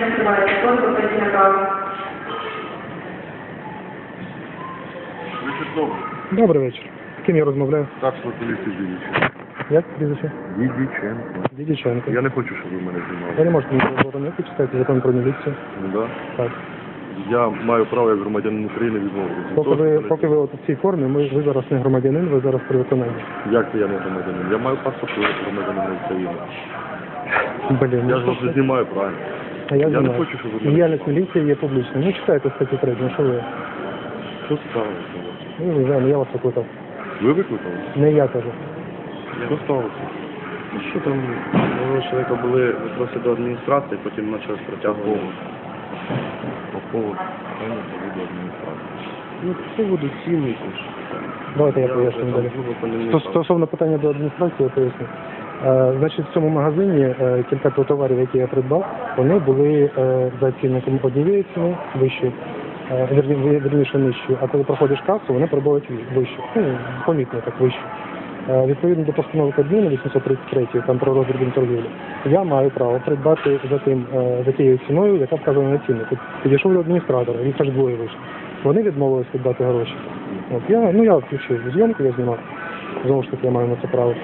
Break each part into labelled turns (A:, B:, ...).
A: Вечір добрий.
B: Добрий вечір. З ким я розмовляю?
A: Старшого поліції Дідіченко.
B: Як прізвище?
A: Дідіченко.
B: Дідіченко.
A: Я не хочу, щоб ви мене знімали.
B: Ви не можете мені заборонити читати закон про міліцію.
A: Ну, да?
B: Так.
A: Я маю право як громадянин України відмовитися.
B: Поки ви от у цій формі, ви зараз не громадянин, ви зараз при виконанні.
A: Як це я не громадянин? Я маю паспорт громадянина України.
B: Блін,
A: Я ж вас не знімаю, правильно?
B: А я
A: не
B: знаю.
A: хочу, щоб ви мене...
B: Діяльність міліції є публічною. Ну, читайте статтю 3, ну що ви?
A: Що сталося?
B: Ну, не знаю, я вас викликав.
A: Ви викликали?
B: Не я кажу.
A: Що сталося?
C: Що там, у чоловіка були випроси до адміністрації, потім почали протягувати.
A: По поводу до адміністрації.
C: Ну, по поводу цін якось.
B: Давайте я поясню
C: вже
B: далі.
C: там грубо по ним не
B: Стосовно питання до адміністрації, я поясню. Значить, в цьому магазині кілька товарів, які я придбав, вони були за цінником однієї ціни вищої, вірніше нижчої, а коли проходиш касу, вони пробують вище. Ну, помітно так вище. Відповідно до постанови Кабміну 833, там про роздрібну торгівлю, я маю право придбати за тією ціною, яка вказана на ціннику. Підійшов до адміністратора, їх аж двоє вийшло. Вони відмовились віддати гроші. От, я включив зйомку, я знімав. Знову ж таки, я маю на це право.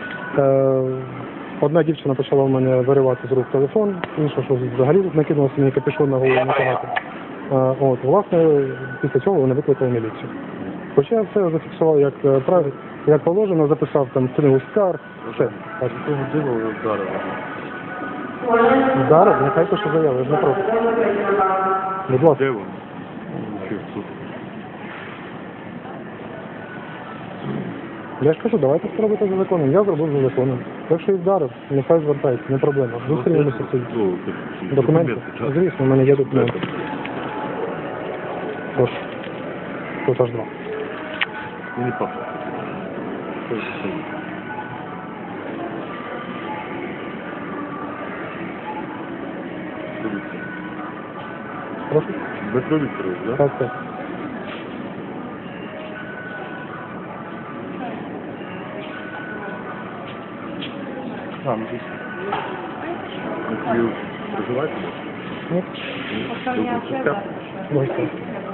B: Одна дівчина почала в мене виривати з рук телефон, інша, що взагалі накинулася мені капюшон на голову натягати. От, власне, після цього вони викликали міліцію. Хоча я все зафіксував як положено, записав там книгу скарг, все.
C: Такого дива ви вдарили.
B: Вдарив, нехай пише заяву, я ж не проти. Будь ласка.
A: Де вони? Чи в суд?
B: Я ж кажу, давайте спробуйте за законом. Я зробив за законом. Якщо і вдарив, нехай звертається, не проблема. Зустрінемося в суді. Документи? Звісно, в мене є документи. Тож, тут аж два.
A: Мені паспорт.
B: Прошу?
A: Дмитро Вікторович, так?
B: Так, так.
C: Там, звісно.
A: Ви проживаєте?
B: Ні? Ось так.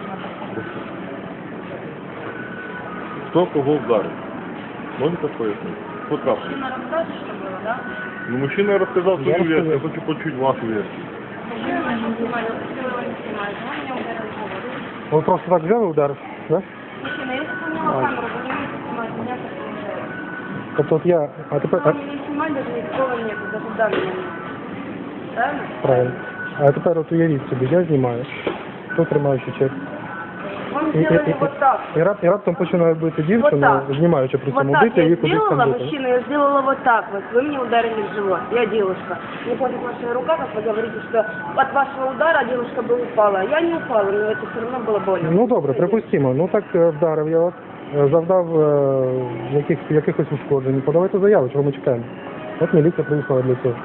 A: Хто кого вдарив? Можете пояснити? Хто трапив?
D: Мужчина расскажет, что было, да?
A: Ну, мужчина розказав
B: Я
A: свою версію, я
B: розказав.
A: хочу почути вашу версію.
D: Мужчина начал снимать, я попросила его не снимать, он меня ударил в голову.
B: Ви просто так взяли удар, так?
D: Мужчина, я сохраняла камеру, вы не можете снимать меня, как уезжает.
B: Тобто от я, а тепер,
D: Вам не снимать даже никакого нет, даже данного нет. Правильно?
B: правильно. А тепер от уявіть собі, я знімаю, тут тримаючи чек.
D: Он сделали вот так.
B: І раптом починаю бити
D: Вот
B: дівчину,
D: так.
B: знімаючи при
D: Вот
B: цьому
D: так
B: бити
D: я
B: її кудись там
D: сделала,
B: бити.
D: мужчина, я сделала вот так вот. Вы мне ударили в живот. Я девушка. Мне хватит ваша рука, как вы говорите, что от вашего удара девушка бы упала. Я не упала, но это все равно было больно.
B: Ну добре, припустимо. Ну так вдарив я вас, завдав якихось ушкоджень. Подавайте заяву, чого ми чекаємо. От міліція приїхала для цього.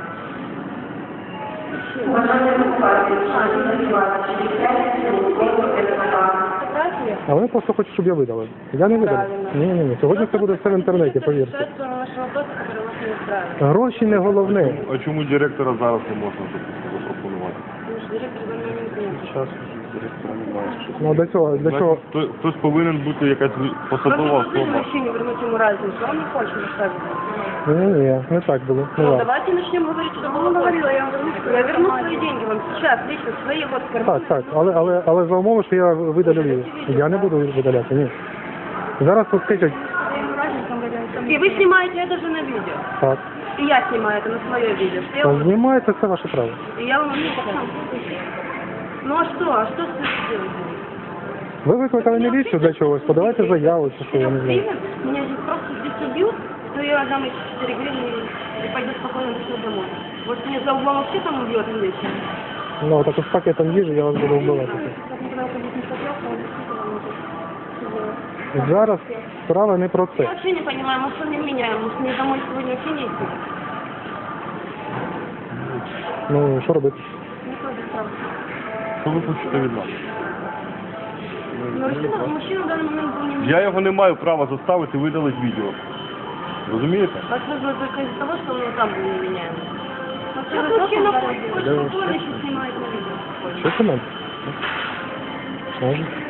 D: Фотография?
B: А вони просто хочуть, щоб я видали. Я не видав.
D: Правильно.
B: Ні. Сьогодні це буде все в інтернеті, повірте.
D: Решать, что на наши вопросы, которые вас не устраивают.
B: Гроші не головне.
A: А чому директора зараз не можна запропонувати?
D: Потому что директор за мной не знает.
C: Зараз директора немає.
B: Ну до цього,
A: Значить, хтось повинен бути якась посадова
D: Просто
A: особа.
D: мужчине вернуть ему разницу, он не хочет рассказывать.
B: Ні, не так було. Не
D: Ну,
B: так.
D: давайте начнем говорить, что было. Говорила, я вам верну, я верну свои деньги вам сейчас, лично свои вот в карман.
B: Так, але за умови, що я видалю відео. Я не буду видаляти, ні. Зараз тут скажуть,
D: И вы снимаете это же на видео.
B: так,
D: И я снимаю это на свое видео. Что я вам-
B: знімаєте, це ваше право.
D: И я вам не покажу. Ну а что? А что с этим делать?
B: Ви викликали міліцію для чогось, подавайте заяву, чи що, я не знаю.
D: Меня здесь просто здесь убьют, то я дам эти 4 гривны и пойду спокойно домой. Вот мне за углом вообще там убьет вечно.
B: Ну, так з пакетом їжі я вас буду вбивати. Зараз справа не про
D: Я
B: це.
D: вообще не понимаю, мы что не меняем, может мне домой сегодня вообще не идти?
B: Ну, що робити?
D: Никто без прав.
A: Що ви хочете від нас?
D: Но мужчина в данный момент был не
A: Я його не маю права заставити видалити відео. Розумієте?
D: Вас вызвали только из-за того, что он там был неменяемый. Мужчина, еще снимает на видео.
B: Ще комент? Можна.